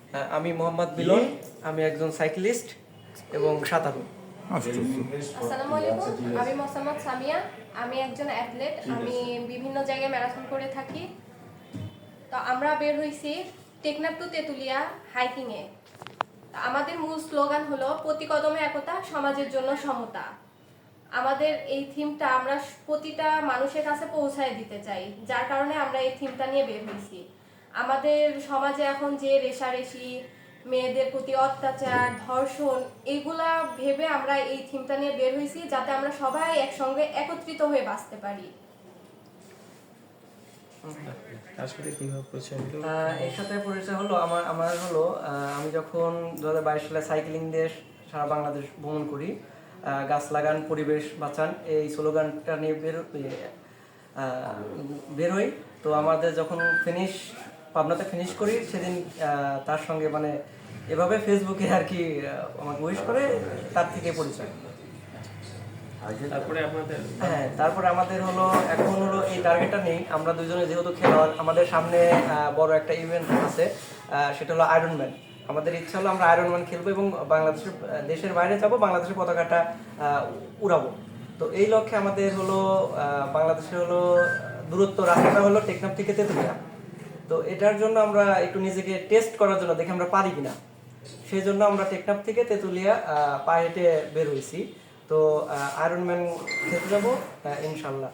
আমি মোহাম্মদ মিলন, আমি একজন সাইক্লিস্ট এবং সাঁতারু। আসসালামু আলাইকুম, আমি মোসাম্মদ সামিয়া, আমি একজন অ্যাথলেট। আমি বিভিন্ন জায়গায় ম্যারাথন করে থাকি। তো আমরা বের হইছি টেকনাফ টু তেতুলিয়া হাইকিংয়ে। আমাদের মূল স্লোগান হলো প্রতি কদমে একতা, সমাজের জন্য সমতা। আমাদের এই থিমটা আমরা প্রতিটা মানুষের কাছে পৌঁছায় দিতে চাই, যার কারণে আমরা এই থিমটা নিয়ে বের হয়েছি। আমাদের সমাজে এখন যে রেষারেষি, মেয়েদের প্রতি অত্যাচার, ধর্ষণ, এগুলা ভেবে আমরা এই থিমটা নিয়ে বের হয়েছি, যাতে আমরা সবাই একসঙ্গে একত্রিত হয়ে বাঁচতে পারি। এর সাথে পরিচয় হলো আমার হলো আমি যখন 2022 সালে সাইক্লিং দিয়ে সারা বাংলাদেশ ভ্রমণ করি, গাছ লাগান পরিবেশ বাঁচান এই স্লোগানটা নিয়ে বের হই। তো আমাদের যখন পাবনাতে ফিনিশ করি সেদিন তার সঙ্গে মানে এভাবে ফেসবুকে আর কি আমাকে উইশ করে, তার থেকে পরিচয়। তারপরে আমাদের হলো এখন হলো এই টার্গেটটা নেই, আমরা দুজনে যেহেতু খেলোয়াড়, আমাদের সামনে বড় একটা ইভেন্ট আছে, সেটা হলো আয়রনম্যান। আমাদের ইচ্ছা হলো আমরা আয়রনম্যান খেলবো এবং দেশের বাইরে যাব, বাংলাদেশের পতাকাটা উড়াবো। তো এই লক্ষ্যে আমাদের হলো বাংলাদেশের হলো দূরত্ব রাস্তাটা হলো টেকনাফ থেকে তেতুলিয়া। তো এটার জন্য আমরা একটু নিজেকে টেস্ট করার জন্য দেখি আমরা পারি কিনা, সেই জন্য আমরা টেকনাফ থেকে তেতুলিয়া পায়ে হেঁটে বের হয়েছি। তো আয়রনম্যান খেলতে যাবো ইনশাল্লাহ।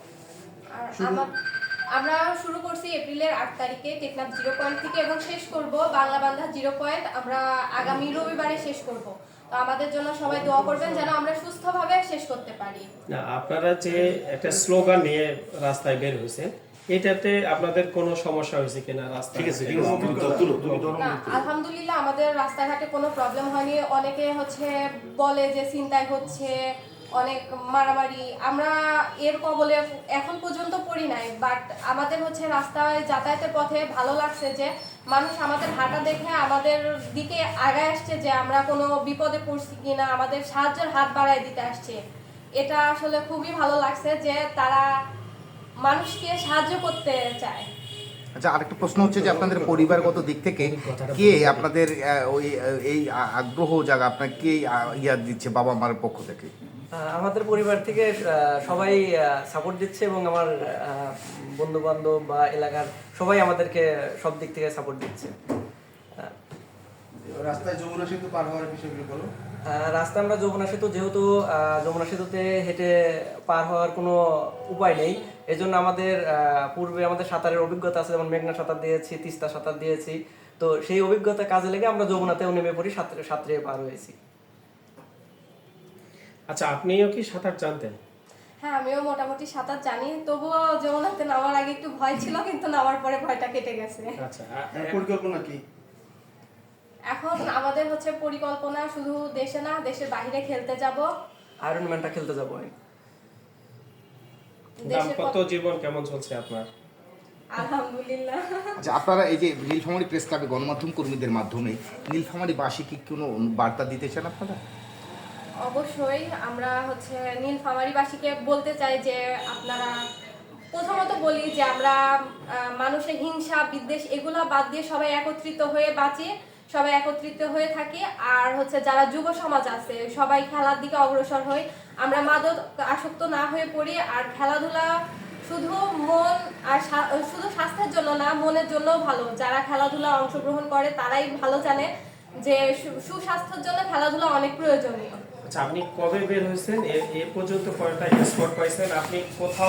আমরা শুরু করছি এপ্রিলের 8 তারিখে টেকনাফ 0 পয়েন্ট থেকে এবং শেষ করব বাংলা বান্ধা 0 পয়েন্ট আমরা আগামী রবিবারে শেষ করব। তো আমাদের জন্য সবাই দোয়া করবেন যেন আমরা সুস্থভাবে শেষ করতে পারি। না, আপনারা যে একটা স্লোগান নিয়ে রাস্তায় বের হয়েছেন, এটাতে আপনাদের কোনো সমস্যা হয়েছে কিনা রাস্তায়? ঠিক আছে, না, আলহামদুলিল্লাহ আমাদের রাস্তাঘাটে কোনো প্রবলেম হয়নি। অনেকে বলে যে ছিনতাই হচ্ছে, অনেক মারামারি, আমরা এর কবলে এখন পর্যন্ত পড়ি নাই। বাট আমাদের রাস্তায় যাতায়াতের পথে ভালো লাগছে যে মানুষ আমাদের হাঁটা দেখে আমাদের দিকে আগায় আসছে, যে আমরা কোনো বিপদে পড়ছি কিনা, আমাদের সাহায্যের হাত বাড়ায় দিতে আসছে। এটা আসলে খুবই ভালো লাগছে যে তারা মানুষকে সাহায্য করতে চায়। আচ্ছা, আরেকটা প্রশ্ন হচ্ছে যে আপনাদের পরিবারগত দিক থেকে কে আপনাদের এই আগ্রহ জায়গা আপনার কে দিচ্ছে বাবা মার পক্ষ থেকে? আমাদের পরিবার থেকে সবাই সাপোর্ট দিচ্ছে এবং আমার বন্ধু বান্ধব বা এলাকার সবাই আমাদেরকে সব দিক থেকে সাপোর্ট দিচ্ছে। রাস্তায় যমুনা সেতু পার হওয়ার বিষয়গুলো বলো। রাস্তা আমরা যমুনা সেতু, যেহেতু যমুনা সেতুতে হেঁটে পার হওয়ার কোনো উপায় নেই, এজন্য আমাদের পূর্বে আমাদের সাঁতারের অভিজ্ঞতা আছে, যেমন মেঘনা সাঁতার দিয়েছি, তিস্তা সাঁতার দিয়েছি। তো সেই অভিজ্ঞতা কাজে লেগে আমরা যমুনাতেও নেমে পড়ি, সাঁতরে পার হয়েছি। আচ্ছা, আপনিও কি সাঁতার জানতেন? হ্যাঁ, আমিও মোটামুটি সাঁতার জানি, তবুও যমুনাতে নামার আগে একটু ভয় ছিল, কিন্তু নামার পরে ভয়টা কেটে গেছে। আচ্ছা, পরিকল্পনা কি এখন আমাদের পরিকল্পনা শুধু দেশে না, দেশের বাইরে খেলতে যাব, আয়রনম্যানটা খেলতে যাব। দাম্পত্য জীবন কেমন চলছে আপনার? আলহামদুলিল্লাহ। আচ্ছা, আপনারা এই যে নীলফামারী প্রেস ক্লাবে গণমাধ্যম কর্মীদের মাধ্যমে নীলফামারীবাসীকে কোনো বার্তা দিতে চান আপনারা? অবশ্যই আমরা নীলফামারীবাসীকে বলতে চাই যে আপনারা, প্রথমত বলি যে আমরা মানুষের হিংসা বিদ্বেষ এগুলো বাদ দিয়ে সবাই একত্রিত হয়ে বাঁচি, সবাই একত্রিত হয়ে থাকি। আর যারা যুব সমাজ আছে সবাই খেলার দিকে অগ্রসর হই, আমরা মাদক আসক্ত না হয়ে পড়ি। আর খেলাধুলা শুধু মন আর শুধু স্বাস্থ্যের জন্য না, মনের জন্যও ভালো। যারা খেলাধুলা অংশগ্রহণ করে তারাই ভালো জানে যে সুস্বাস্থ্যের জন্য খেলাধুলা অনেক প্রয়োজনীয়। আচ্ছা, আপনি কবে বের হয়েছেন? এ পর্যন্ত কয়টা স্পট পাইছেন? আপনি কোথাও